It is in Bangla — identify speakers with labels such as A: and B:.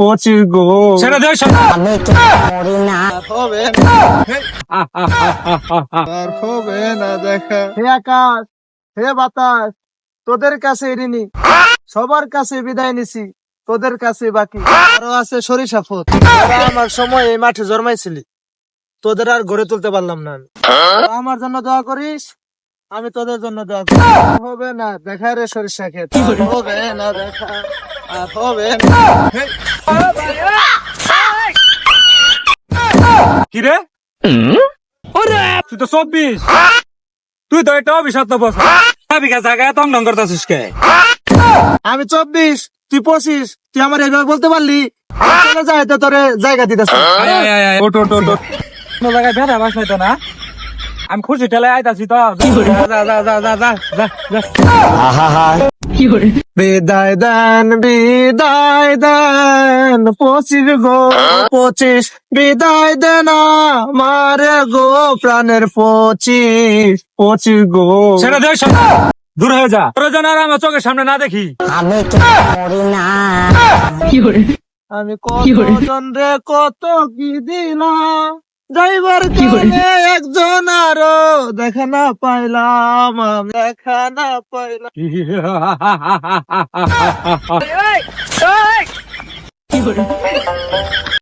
A: 25 গো।
B: ছেড়ে দে
C: আমি কি মরি না
A: হবে আর হবে না দেখা। হে আকাশ, হে বাতাস, তোদের কাছে ঋণী, সবার কাছে বিদায় নিছি, তোদের কাছে বাকি। আরো আছে সরিষা ফুল, তোরা আমার সময় এই মাঠে জন্মাইছিলি, তোদের আর গড়ে তুলতে পারলাম না আমি। তোরা আমার জন্য দোয়া করিস, আমি তোদের জন্য দোয়া করি। হবে না দেখা রে সরিষা ক্ষেত, আর হবে না দেখা, আর হবে না।
B: কি রে তুই তো 24, তুই তো একটা অভিশপ্ত বছর বিঘা জায়গায় তং ডং করতেছিস কে?
A: আমি 24, তুই 25, তুই আমার এইভাবে বলতে পারলি? চলে যায় তো তোরে জায়গা দিতেছে।
B: ওট ওট ওট ওট। কোনো জায়গায় ভেড়া বাস নাই তো না? আমি খুশি ঠেলে আইতাছি তো। যা যা যা যা যা যা যা।
A: বিদায় দেন, বিদায় দেন 25 গো 25, বিদায় দেন আমারে গো প্রাণের 25 গো।
B: ছেড়ে দে দূর হয়ে যা, তোর যেন আর আমার চোখের সামনে না দেখি।
C: আমি কি মরি না
A: আমি কত জন রে কত কি দিলাম, যাইবার কালে একজন আরো দেখা না পাইলাম, আমি দেখা না পাইলাম।